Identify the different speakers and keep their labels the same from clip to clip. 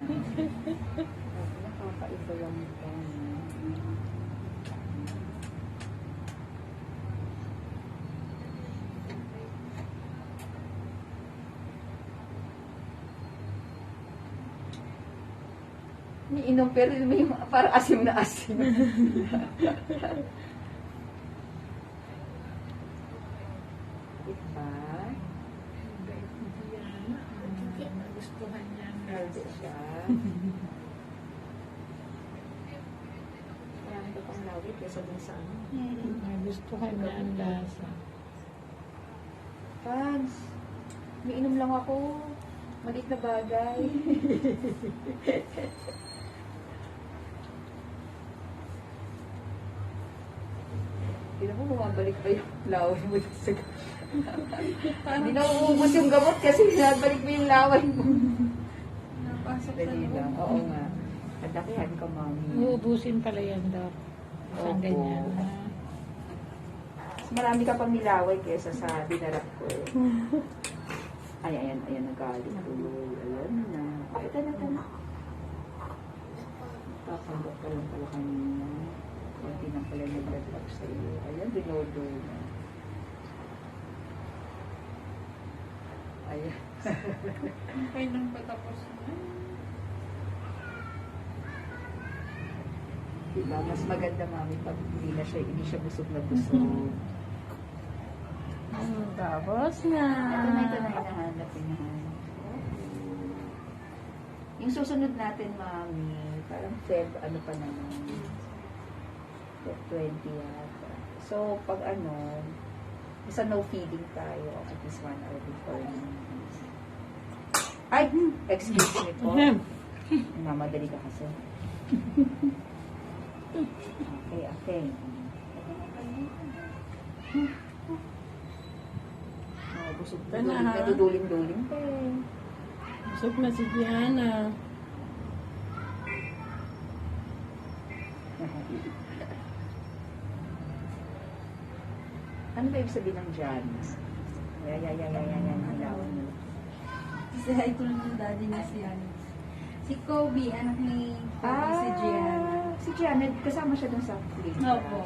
Speaker 1: Nakakaiba yung mukha niya. May inom pero may parang asim na asim. Diba?
Speaker 2: Nagustuhan niya ang
Speaker 1: Healthy
Speaker 2: lasa.
Speaker 1: siya. Marami ka pang lawit kaysa dun sa ano.
Speaker 2: Nagustuhan niya ang lasa.
Speaker 1: Fans, may inom lang ako. Maliit na bagay. Hindi mo bumabalik pa yung laway mo sa hindi na uubos yung gamot kasi binabalik mo yung laway mo.
Speaker 3: Napasok sa
Speaker 1: Dali lang.
Speaker 3: loob.
Speaker 1: Oo nga. Nadakihan ka, mami.
Speaker 2: Uubusin pala yan, Doc. Isang
Speaker 1: Opo.
Speaker 2: ganyan.
Speaker 1: Mas marami ka pang nilaway kesa sa dinarap ko. Ay, ayan, nagalit. Ayan na. Ay, tala. Kapanggap ka lang pala kanina. Kunti na pala nagladrap sa iyo. Ayan, binodo na. Ayan.
Speaker 3: Okay lang patapos na.
Speaker 1: Diba? Mas maganda, mami, pag hindi siya busog na busog.
Speaker 2: Tapos na.
Speaker 1: Ito na hinahanap. Yung susunod natin, mami, parang Feb, ano pa naman, Feb 20 yata. So, pag isa no feeding tayo, at least 1 hour before. Ay! Excuse me po. Mamadali ka kasi. Okay. Busog
Speaker 2: Ito na, ha?
Speaker 1: Naduduling-duling pa eh.
Speaker 2: Busog na si Diana.
Speaker 1: Ano ba ibig sabihin ng Jan? Yan. Hilawan mo.
Speaker 3: Kasi ito lang yung daddy niya si ano. Si Kobe, anak ni Kobe, si Gianna.
Speaker 1: Si Gianna, kasama siya dun sa plane.
Speaker 3: Opo.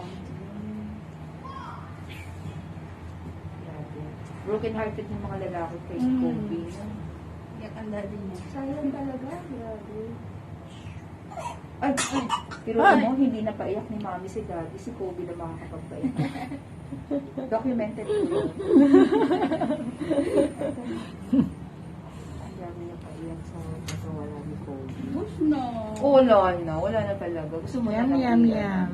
Speaker 1: Grabe. Broken hearted yung mga lalaki kay
Speaker 3: Mm.
Speaker 1: Kobe.
Speaker 3: Iyak ang daddy niya.
Speaker 1: Sayang talaga. Grabe. Ay. Pero ano, hindi na paiyak ni Mami si Daddy. Si Kobe na makakapagpaiyak. Documented ko yun. Ang dami na paiyak sa wala ni Kobe.
Speaker 3: Bus no.
Speaker 1: Wala na talaga. Gusto mo
Speaker 2: Yum,
Speaker 1: na
Speaker 2: yum,
Speaker 1: lang
Speaker 2: yum.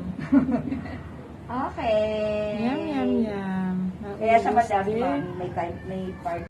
Speaker 1: Okay.
Speaker 2: Yum, yum, yum.
Speaker 1: Kaya sa
Speaker 2: Naubos
Speaker 1: madami,
Speaker 2: din.
Speaker 1: Mami, may part